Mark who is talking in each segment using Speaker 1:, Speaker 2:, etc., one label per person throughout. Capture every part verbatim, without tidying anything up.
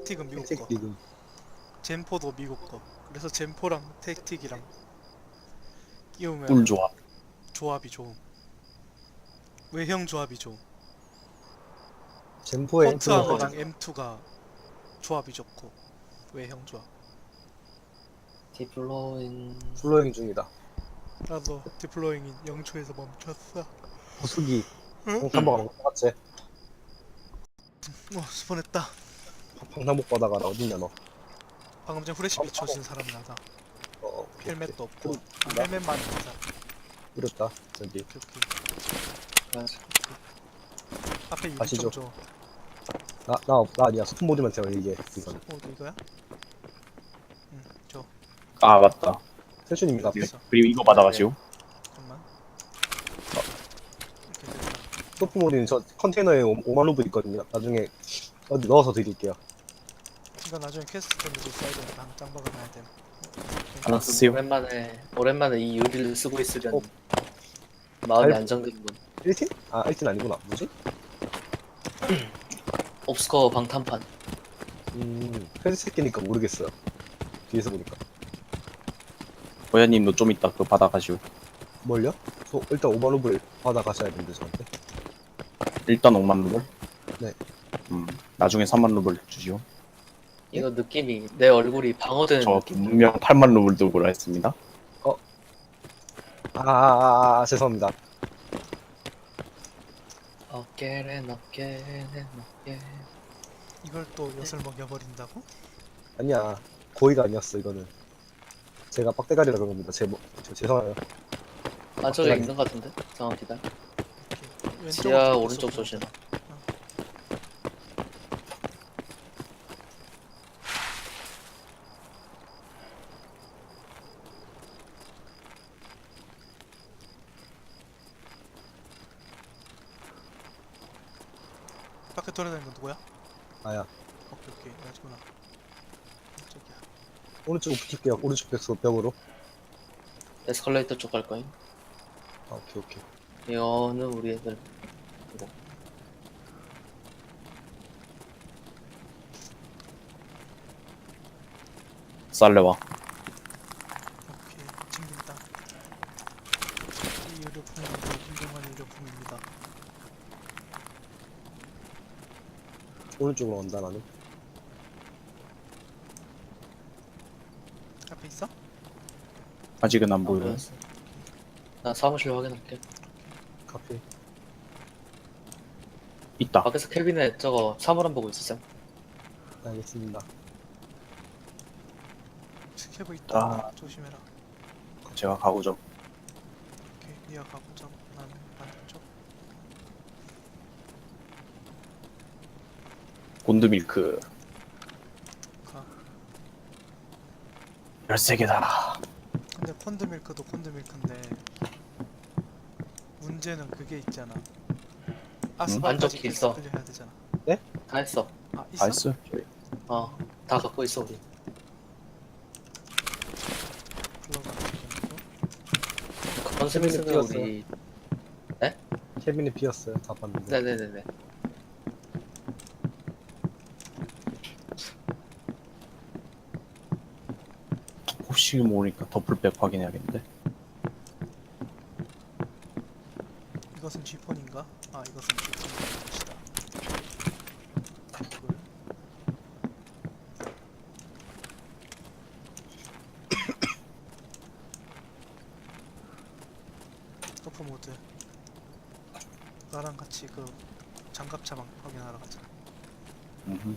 Speaker 1: 택틱은 미국 거.
Speaker 2: 택틱은
Speaker 1: 젠포도 미국 거. 그래서 젠포랑 택틱이랑 끼우면
Speaker 3: 꿀 조합.
Speaker 1: 조합이 좋음. 외형 조합이 좋음.
Speaker 2: 젠포의
Speaker 1: 폰트
Speaker 2: 엠프가
Speaker 1: 아머랑 엠투가 조합이 좋고 외형 조합.
Speaker 4: 디플로잉.
Speaker 2: 플로잉 중이다.
Speaker 1: 나도 디플로잉인 영 초에서 멈췄어.
Speaker 2: 호수기
Speaker 1: 응?
Speaker 2: 방탄복 안 같지?
Speaker 1: 어 스폰했다.
Speaker 2: 방탄복 받아가 나 어딨냐 너.
Speaker 1: 방금 전 후레쉬 비춰준 사람 나다.
Speaker 2: 어, 오케이,
Speaker 1: 헬멧도 없고.
Speaker 2: 오케이.
Speaker 1: 아,
Speaker 2: 나
Speaker 1: 헬멧만 있는 사람.
Speaker 2: 이랬다 저기.
Speaker 1: 오케이 오케이. 앞에 유리
Speaker 2: 가시죠.
Speaker 1: 좀 줘.
Speaker 2: 나 나 나 아니야. 스톤보드만 제가 이게 이거는.
Speaker 1: 어 이거야? 응 줘.
Speaker 3: 아 맞다.
Speaker 2: 세준입니다 앞에.
Speaker 1: 됐어.
Speaker 3: 그리고 이거 받아가시오.
Speaker 1: 잠깐만. 이렇게 됐다.
Speaker 2: 소프모드는 저 컨테이너에 오- 오만 루브 있거든요. 나중에 어디 넣어서 드릴게요.
Speaker 1: 이거 나중에 퀘스트 때문에 써야 되니까 한 짱 박아놔야 돼.
Speaker 3: 하나 쓰세요.
Speaker 4: 오랜만에 오랜만에 이 유리를 쓰고 있으려니
Speaker 2: 어.
Speaker 4: 마음이
Speaker 2: 알-
Speaker 4: 안정되는군.
Speaker 2: 일 팀? 아 일 팀 아니구나. 뭐지?
Speaker 4: 옵스커 방탄판.
Speaker 2: 음 회색 새끼니까 모르겠어요. 뒤에서 보니까.
Speaker 3: 호야님도 좀 이따 그거 받아가시오.
Speaker 2: 뭘요? 저 일단 오만 루브를 받아 가셔야 되는데 저한테.
Speaker 3: 일단 오만 루블.
Speaker 2: 네.
Speaker 3: 음 나중에 삼만 루블 주시오.
Speaker 4: 이거 느낌이 내 얼굴이 방어되는
Speaker 3: 저
Speaker 4: 느낌.
Speaker 3: 분명 팔만 루블 들고 했습니다.
Speaker 2: 아, 아, 아, 아 죄송합니다.
Speaker 4: 어깨는 어깨는 어깨.
Speaker 1: 이걸 또 엿을 먹여버린다고?
Speaker 2: 아니야 고의가 아니었어 이거는. 제가 빡대가리라 그런 겁니다. 제 뭐, 저 죄송해요.
Speaker 4: 아 저기
Speaker 2: 어깨가
Speaker 4: 있는 것 같은데? 잠깐 기다려.
Speaker 1: 이렇게 왼쪽
Speaker 4: 지하
Speaker 1: 어깨
Speaker 4: 오른쪽
Speaker 1: 쏘고.
Speaker 4: 조심.
Speaker 1: 밖에 돌아다니는 건 누구야?
Speaker 2: 아야
Speaker 1: 오케이 오케이 맞구나. 저기야.
Speaker 2: 오른쪽 붙을게요. 오른쪽 벽 벽으로.
Speaker 4: 에스컬레이터 쪽 갈 거임.
Speaker 2: 아, 오케이 오케이.
Speaker 4: 이거는 우리 애들. 이거.
Speaker 3: 쌀레와.
Speaker 1: 오케이 챙긴다. 이 의료품은 매우 훌륭한 의료품입니다.
Speaker 2: 오른쪽으로 간다 나는.
Speaker 1: 앞에 있어?
Speaker 3: 아직은 안
Speaker 4: 안
Speaker 3: 보여요.
Speaker 4: 보였어. 나 사무실 확인할게.
Speaker 2: 카페.
Speaker 3: 있다.
Speaker 4: 밖에서 캐비넷 저거 사물함 보고 있었어.
Speaker 2: 알겠습니다.
Speaker 1: 스케브 있다.
Speaker 3: 아.
Speaker 1: 조심해라.
Speaker 3: 제가 가고 좀.
Speaker 1: 오케이 니가 가보자. 나는 반대쪽.
Speaker 3: 곤드밀크
Speaker 1: 가.
Speaker 3: 열세 개다.
Speaker 1: 근데 콘드밀크도 콘드밀크인데 문제는 그게 있잖아. 아스팔까지
Speaker 4: 안 적혀 있어.
Speaker 1: 클리어 해야 되잖아.
Speaker 4: 다 했어.
Speaker 1: 아 있어?
Speaker 3: 나이스.
Speaker 4: 어. 다 갖고 있어 우리.
Speaker 1: 불러가는 거.
Speaker 4: 컨스미스는
Speaker 2: 띄웠어요.
Speaker 4: 우리.
Speaker 2: 캐비넷 비었어요. 다 봤는데.
Speaker 4: 네네네네.
Speaker 3: 혹시 모르니까 더블백 확인해야겠는데.
Speaker 1: 이것은 G폰인가? 아 이것은 G폰인 것이다. 이걸 터프 모드. 나랑 같이 그 장갑 차방 확인하러 가자.
Speaker 3: 음흠.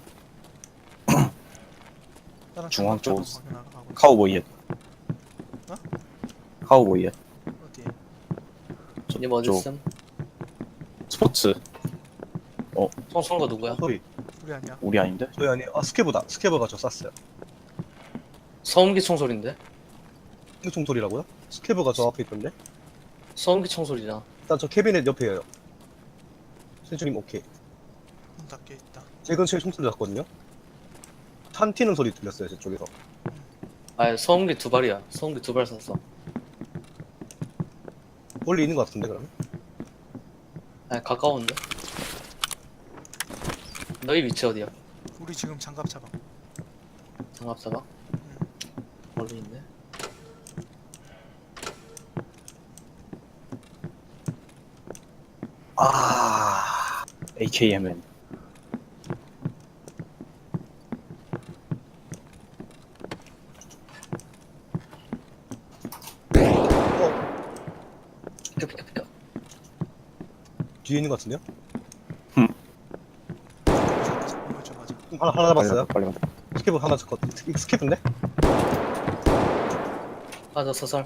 Speaker 1: 나랑
Speaker 3: 중앙
Speaker 1: 장갑 차방
Speaker 3: 쪽
Speaker 1: 확인하러 가고 있어.
Speaker 3: 카우보이에.
Speaker 1: 어?
Speaker 3: 카우보이에.
Speaker 1: 어디에?
Speaker 4: 님 어디 있음?
Speaker 3: 스포츠.
Speaker 4: 총 쏜 거 누구야?
Speaker 2: 소리.
Speaker 1: 우리 아니야.
Speaker 3: 우리 아닌데?
Speaker 2: 저희 아니. 아 스케브다. 스케브가 저 쐈어요.
Speaker 4: 소음기 총소리인데?
Speaker 2: 이총 소리라고요? 스케브가 저 앞에 있던데.
Speaker 4: 소음기 총소리잖아.
Speaker 2: 일단 저 캐비넷 옆에요. 세준님 오케이.
Speaker 1: 문 닫혀 있다.
Speaker 2: 제 근처에 총소리 났거든요. 탄 튀는 소리 들렸어요 저쪽에서.
Speaker 4: 아 소음기 두 발이야. 소음기 두 발 쐈어.
Speaker 2: 멀리 있는 것 같은데 그러면?
Speaker 4: 아 가까운데? 너희 위치 어디야?
Speaker 1: 우리 우리 지금 장갑 잡아.
Speaker 4: 장갑 사봐.
Speaker 1: 응.
Speaker 4: 멀리 있네.
Speaker 3: 아, 에이케이엠엔.
Speaker 4: 비켜 비켜 비켜.
Speaker 2: 뒤에 있는 것 같은데요?
Speaker 1: 맞아 맞아. 맞아 맞아.
Speaker 2: 하나 하나 잡았어요.
Speaker 3: 빨리 가.
Speaker 2: 스케브 하나 잡았. 이거 스케브인데?
Speaker 4: 맞아 서설.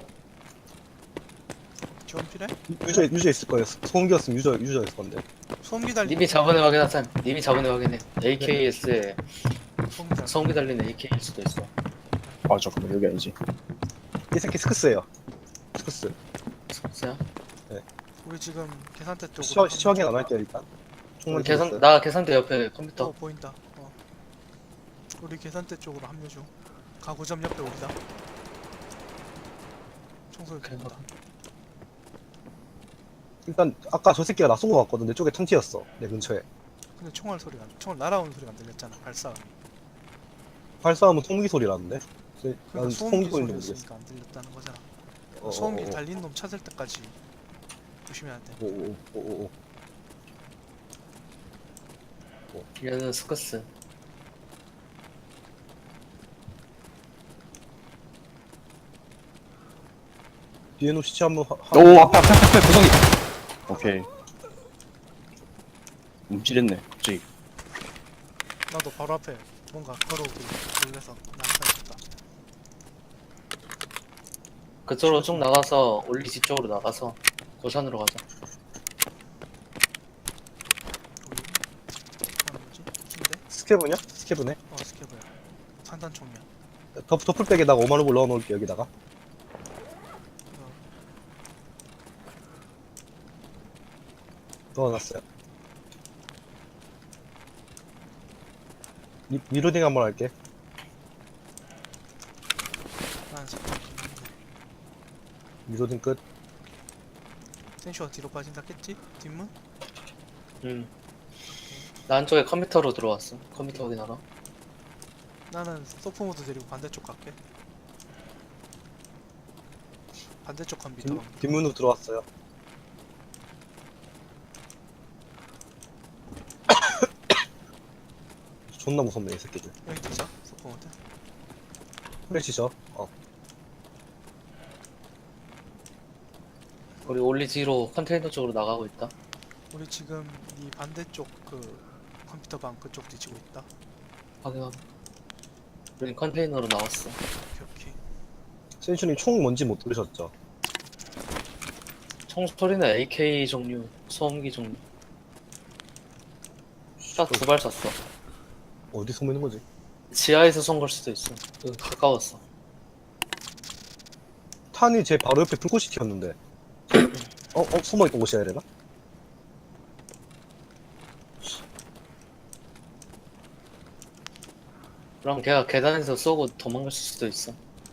Speaker 1: 지원 필요해?
Speaker 2: 유저 유저 있을 거예요. 소음기였으면 유저 유저였을 건데.
Speaker 1: 소음기 달린
Speaker 4: 님이 저번에 확인하산. 님이 저번에 확인해. 에이케이에스에
Speaker 1: 소음기 달린.
Speaker 4: 성기 달리는 에이케이일 수도 있어.
Speaker 3: 맞아, 그럼 여기 아니지.
Speaker 2: 이 새끼 스크스예요. 스크스.
Speaker 4: 스크스야?
Speaker 1: 우리 지금 계산대 쪽으로.
Speaker 2: 시원 시원하게 안 할게요 일단. 총만
Speaker 4: 우리 계산
Speaker 2: 들었어요.
Speaker 4: 나 계산대 옆에
Speaker 1: 어
Speaker 4: 컴퓨터.
Speaker 1: 보인다. 어. 우리 계산대 쪽으로 합류 중. 가구점 옆에 우리다. 청소기 들린다.
Speaker 2: 일단 아까 저 새끼가 나 쏜 거 같거든. 내 쪽에 턴티였어. 내 근처에.
Speaker 1: 근데 총알 소리가 안- 총알 날아오는 소리가 안 들렸잖아. 발사.
Speaker 2: 발사하면 통기 소리 나는데. 난
Speaker 1: 그러니까
Speaker 2: 소음기
Speaker 1: 소음기
Speaker 2: 소리인지 모르겠어.
Speaker 1: 소리였으니까 안 들렸다는 거잖아.
Speaker 2: 어,
Speaker 1: 소음기
Speaker 2: 어, 어.
Speaker 1: 달린 놈 찾을 때까지 조심해야 돼.
Speaker 2: 오오오오오.
Speaker 4: 얘는 스크스.
Speaker 2: 뒤에 놓 시체 한번 하. 하-
Speaker 3: 오, 앞에, 앞에, 앞에, 앞에, 구덩이. 오케이. 움찔했네, 갑자기.
Speaker 1: 나도 바로 앞에 뭔가 걸어오길 놀래서 난사했다.
Speaker 4: 그쪽으로 쭉 나가서 올리 뒤쪽으로 나가서 고산으로 가자.
Speaker 1: 우리 하는 뭐지? 긴데?
Speaker 2: 스케브냐? 스케브네.
Speaker 1: 어 스케브야. 산단총이야.
Speaker 2: 더 더플백에다가 오만 원을 넣어 놓을게 여기다가.
Speaker 1: 어,
Speaker 2: 넣어놨어요. 리, 리로딩 한번 할게.
Speaker 1: 난 색깔 긴데.
Speaker 2: 리로딩 끝.
Speaker 1: 센슈가 뒤로 빠진다겠지? 뒷문?
Speaker 4: 응. 나 안쪽에 컴퓨터로 들어왔어. 컴퓨터 확인하러.
Speaker 1: 나는 소프모드 데리고 반대쪽 갈게. 반대쪽 컴퓨터.
Speaker 2: 뒷, 뒷문으로 들어왔어요. 존나 무섭네 이 새끼들.
Speaker 1: 여기 되죠? 소프모드.
Speaker 2: 플래시죠? 어.
Speaker 4: 우리 올리 뒤로 컨테이너 쪽으로 나가고 있다.
Speaker 1: 우리 지금 이 반대쪽 그 컴퓨터 방 그쪽 뒤치고 있다.
Speaker 4: 확인 확인. 우린 컨테이너로 나왔어.
Speaker 1: 오케이 오케이.
Speaker 2: 센슈님 총 뭔지 못 들으셨죠?
Speaker 4: 총소리는 에이케이 종류, 소음기 종류. 딱 두 발 쐈어.
Speaker 2: 어디 숨어 있는 거지?
Speaker 4: 지하에서 쏜 걸 수도 있어. 여기 가까웠어.
Speaker 2: 탄이 제 바로 옆에 불꽃이 튀었는데. 어? 어? 숨어있던 곳이어야 되나?
Speaker 4: 그럼 걔가 계단에서 쏘고 도망갈 수도 있어.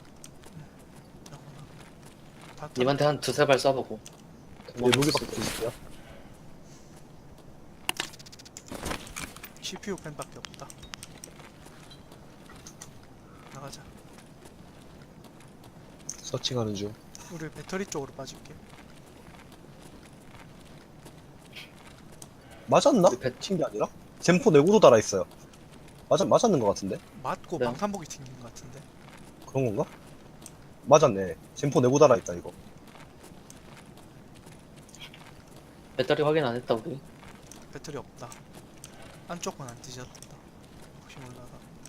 Speaker 1: 다
Speaker 4: 님한테 한 두세 발 쏴보고.
Speaker 2: 네,
Speaker 4: 도망갈
Speaker 2: 무기
Speaker 4: 수도
Speaker 2: 밖에
Speaker 4: 있어.
Speaker 2: 있어요.
Speaker 1: 씨피유 펜밖에 없다. 나가자.
Speaker 2: 서칭하는 중.
Speaker 1: 우리 배터리 쪽으로 빠질게.
Speaker 2: 맞았나?
Speaker 4: 우리 배-
Speaker 2: 튄 게 아니라? 젠포 내구도 달아있어요. 맞아, 맞았는 것 같은데?
Speaker 1: 맞고
Speaker 4: 그래요?
Speaker 1: 방탄복이 튕긴 것 같은데.
Speaker 2: 그런 건가? 맞았네. 젠포 내구 달아있다 이거.
Speaker 4: 배터리 확인 안 했다 우리.
Speaker 1: 배터리 없다. 안쪽은 안 뒤졌다. 혹시 몰라서.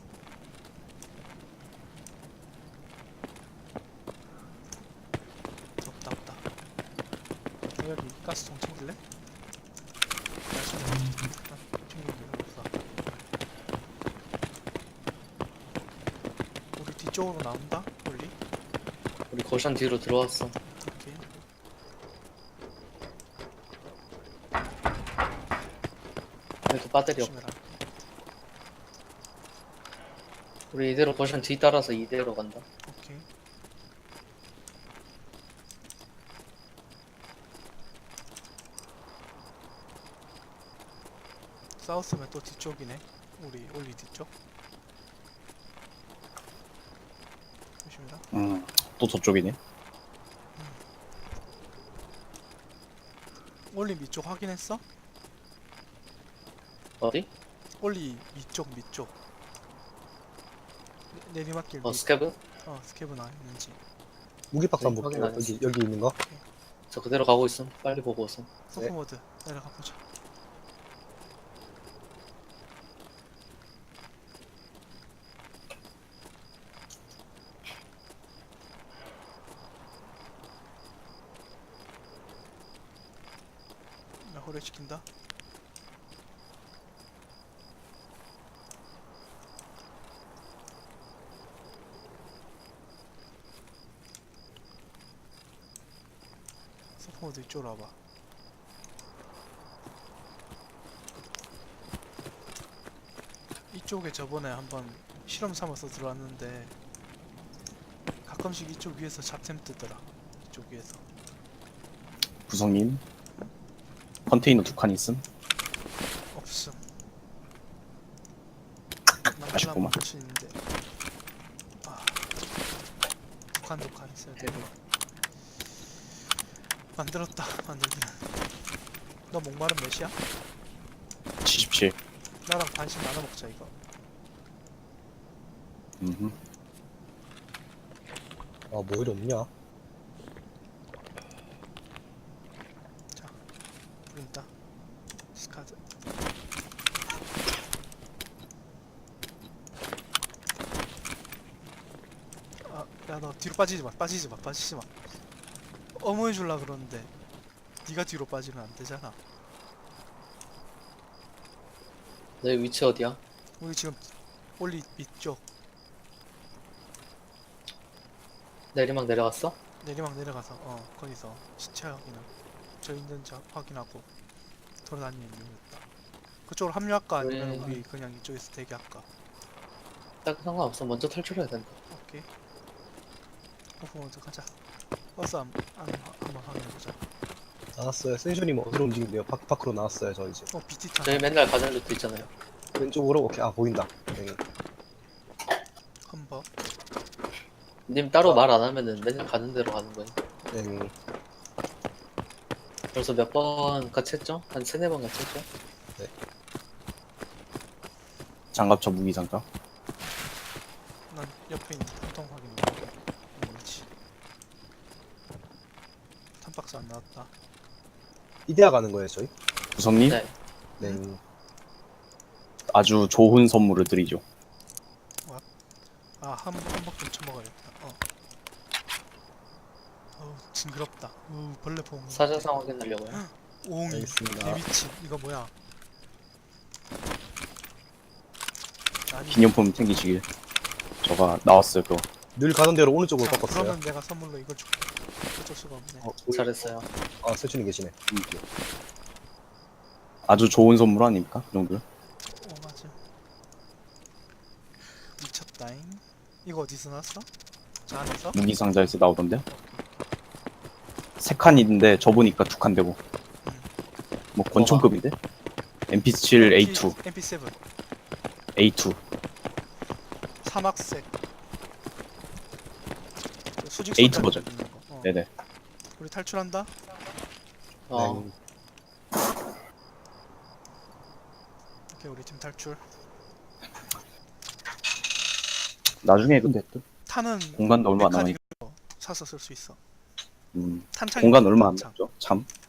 Speaker 1: 없다 없다. 여기 가스통 챙길래? 일단 챙기는 게 없어. 우리 뒤쪽으로 나온다? 원리?
Speaker 4: 우리 거션 뒤로 들어왔어.
Speaker 1: 오케이.
Speaker 4: 그래도 배터리 없.
Speaker 1: 조심해라.
Speaker 4: 우리 이대로 거션 뒤 따라서 이대로 간다.
Speaker 1: 오케이. 싸웠으면 또 뒤쪽이네. 우리 올리 뒤쪽. 조심해라.
Speaker 3: 음, 또 저쪽이네.
Speaker 1: 올리 밑쪽 확인했어?
Speaker 4: 어디?
Speaker 1: 올리 밑쪽 밑쪽. 내- 내리막길
Speaker 4: 어
Speaker 1: 밑.
Speaker 4: 스캐브?
Speaker 1: 어 스케브 나 있는지.
Speaker 2: 무기박스 한번
Speaker 4: 확인
Speaker 2: 볼게요.
Speaker 4: 안
Speaker 2: 여기 여기 있는 거.
Speaker 4: 저 그대로 가고 있음. 빨리 보고 오음.
Speaker 1: 서포모드 내려가 보자. 나 호래 시킨다. 서포모드 이쪽으로 와봐. 이쪽에 저번에 한번 실험 삼아서 들어왔는데 가끔씩 이쪽 위에서 잡템 뜨더라. 이쪽 위에서.
Speaker 3: 구성님. 컨테이너 두 칸 있음.
Speaker 1: 없음.
Speaker 3: 아쉽구만.
Speaker 1: 할수 있는데. 아, 독한 독한 있어야 돼. 만들었다. 만들기는. 너 목마른 몇이야?
Speaker 3: 칠십칠.
Speaker 1: 나랑 반씩 나눠 먹자 이거.
Speaker 3: 음.
Speaker 2: 아, 뭐 이리 없냐?
Speaker 1: 부른다. 스카드. 아, 야 너 뒤로 빠지지 마. 빠지지 마. 빠지지 마. 어머 해줄라 그러는데 네가 뒤로 빠지면 안 되잖아.
Speaker 4: 내 위치 어디야?
Speaker 1: 우리 지금 올리 밑쪽
Speaker 4: 내리막 내려갔어?
Speaker 1: 내리막 내려가서 어 거기서 시체 확인을 저 있는 자 확인하고 돌아다니는 중이었다. 그쪽으로 합류할까 아니면
Speaker 4: 그래.
Speaker 1: 우리 그냥 이쪽에서 대기할까?
Speaker 4: 딱 상관없어. 먼저 탈출해야 된다.
Speaker 1: 오케이. 오프 모드 가자. 버스 한, 한, 한번 확인해보자.
Speaker 2: 나왔어요. 센슈님 어디로 움직인대요? 밖 밖으로 나왔어요. 저 이제
Speaker 1: 어 비티 타.
Speaker 4: 저희 맨날 가는 루트 있잖아요.
Speaker 2: 왼쪽으로. 오케이. 아, 보인다. 네.
Speaker 1: 컴버.
Speaker 4: 님 따로 말 안 하면은 맨날 가는 대로 가는 거예요.
Speaker 2: 네.
Speaker 4: 벌써 몇 번 같이 했죠? 한 세네 번 같이 했죠?
Speaker 3: 장갑차 무기 장갑.
Speaker 1: 난 옆에 있는 탐통 확인해. 그렇지. 탐박스 안 나왔다.
Speaker 2: 이데아 가는 거예요, 저희?
Speaker 3: 구성님.
Speaker 4: 네.
Speaker 2: 네.
Speaker 3: 아주 좋은 선물을 드리죠.
Speaker 1: 아한 한박 좀 쳐먹어야겠다. 어. 어우 징그럽다. 우 벌레 봉.
Speaker 4: 사자상 확인하려고요.
Speaker 1: 오옹이.
Speaker 2: 알겠습니다.
Speaker 1: 데비치 이거 뭐야? 아니.
Speaker 3: 기념품 챙기시길. 저가 나왔어요, 그거.
Speaker 2: 늘 가는 대로 오른쪽으로
Speaker 1: 자,
Speaker 2: 꺾었어요.
Speaker 1: 그러면 내가 선물로 이걸 줄게. 어쩔 수가 없네.
Speaker 2: 어, 보이-
Speaker 4: 잘했어요.
Speaker 2: 아, 센슈님 계시네.
Speaker 3: 아주 좋은 선물 아닙니까? 그 정도.
Speaker 1: 어 맞아. 미쳤다잉. 이거 어디서 났어? 저 안에서?
Speaker 3: 무기 상자에서 나오던데. 세 칸인데 저 보니까 두 칸 되고. 뭐 권총급인데? 엠피 칠 에이 투,
Speaker 1: 엠피 세븐.
Speaker 3: 에이 투.
Speaker 1: 사막색. 저 수직
Speaker 3: 에이트
Speaker 1: 손잡이
Speaker 3: 버전.
Speaker 1: 있는 거. 어.
Speaker 3: 네네.
Speaker 1: 우리 탈출한다.
Speaker 4: 어.
Speaker 2: 네.
Speaker 1: 오케이 우리 팀 탈출.
Speaker 3: 나중에 근데 또
Speaker 1: 탄은
Speaker 3: 공간도 얼마 안 남아.
Speaker 1: 메카닉으로 사서 쓸 수 있어.
Speaker 3: 음,
Speaker 1: 탄창이
Speaker 3: 공간 얼마 안
Speaker 1: 탄창.
Speaker 3: 남죠. 참.